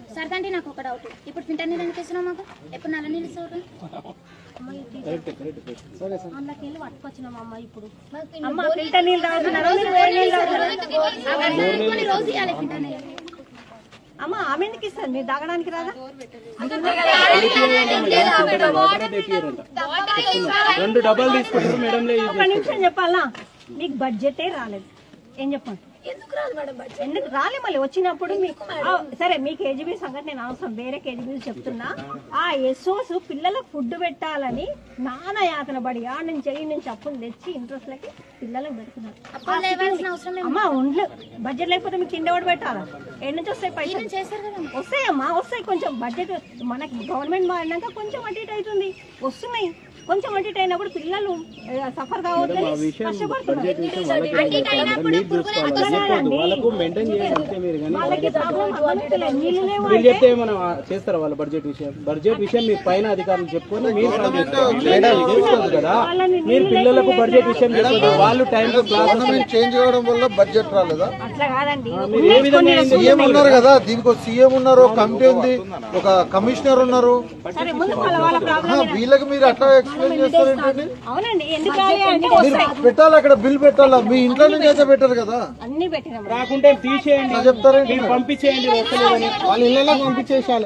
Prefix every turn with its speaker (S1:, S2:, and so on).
S1: సరదండి నాకు ఒక డౌట్. ఇప్పుడు ఫిల్టర్ నీళ్ళు ఎందుకు ఇస్తున్నావు మాకు? ఎప్పుడు నల్ల నీళ్ళు ఇస్తావు?
S2: అందులోకి వెళ్ళి పట్టుకొచ్చినామమ్మ. ఇప్పుడు
S1: రోజు ఇవ్వాలి ఫిల్టర్ నీళ్ళు.
S2: అమ్మ ఆమె ఎందుకు ఇస్తారు? మీరు తాగడానికి రాదా?
S3: 2 డబ్బాలు తీసుకుంటారు మేడం.
S2: ఒక నిమిషం చెప్పాలా, మీకు బడ్జెటే రాలేదు. ఏం చెప్పండి,
S1: ఎందుకు రాదు మేడం బడ్జెట్?
S2: ఎందుకు రాలే? మళ్ళీ వచ్చినప్పుడు మీకు సరే, మీ కేజీబీ సంగతి నేను అవసరం, వేరే కేజీబీ చెప్తున్నా. ఆ ఎస్ఓస్ పిల్లలకు ఫుడ్ పెట్టాలని నానా యాతన పడి ఆ నుంచి ఈ నుంచి అప్పులు తెచ్చి ఇంట్రెస్ట్ లకి పిల్లలకు పెడుతున్నారు. అమ్మా ఒంట్లో బడ్జెట్ లేకపోతే మీకు తిండి ఎవరు పెట్టాలా? ఎక్కడి నుంచి వస్తాయి పైసలు? వస్తాయమ్మా, వస్తాయి. కొంచెం బడ్జెట్ మనకి గవర్నమెంట్ మారినాక కొంచెం అటు ఇటు అవుతుంది, వస్తున్నాయి. కొంచెం అటు ఇటు అయినప్పుడు పిల్లలు సఫర్ కావద్దని కష్టపడుతున్నారు.
S3: చేస్తారా వాళ్ళ బడ్జెట్ విషయం? బడ్జెట్ విషయం మీ పైన అధికారులు చెప్పుకొని మీరు చేసుకోవచ్చు కదా. మీరు పిల్లలకు బడ్జెట్ విషయం చెప్పదు, వాళ్ళు టైం
S4: గవర్నమెంట్ చేంజ్ అవ్వడం వల్ల బడ్జెట్ రాలేదా?
S2: అట్లా కాదండి,
S4: సీఎం ఉన్నారు కదా, దీనికి సీఎం ఉన్నారు, కమిటీ ఉంది, ఒక కమిషనర్ ఉన్నారు. వీళ్ళకి మీరు అట్లా ఎక్స్ప్లెయిన్ చేస్తారు ఏంటండి?
S2: అవునండి, ఎందుకు
S4: మీరు పెట్టాలి, అక్కడ బిల్ పెట్టాలా? మీ ఇంట్లో నుంచి అయితే పెట్టారు కదా,
S2: అన్ని పెట్టినాం.
S3: రాకుంటే తీసేయండి,
S4: చెప్తారు
S3: పంపించేయండి. వాళ్ళ ఇళ్ళలో పంపించేసాలి.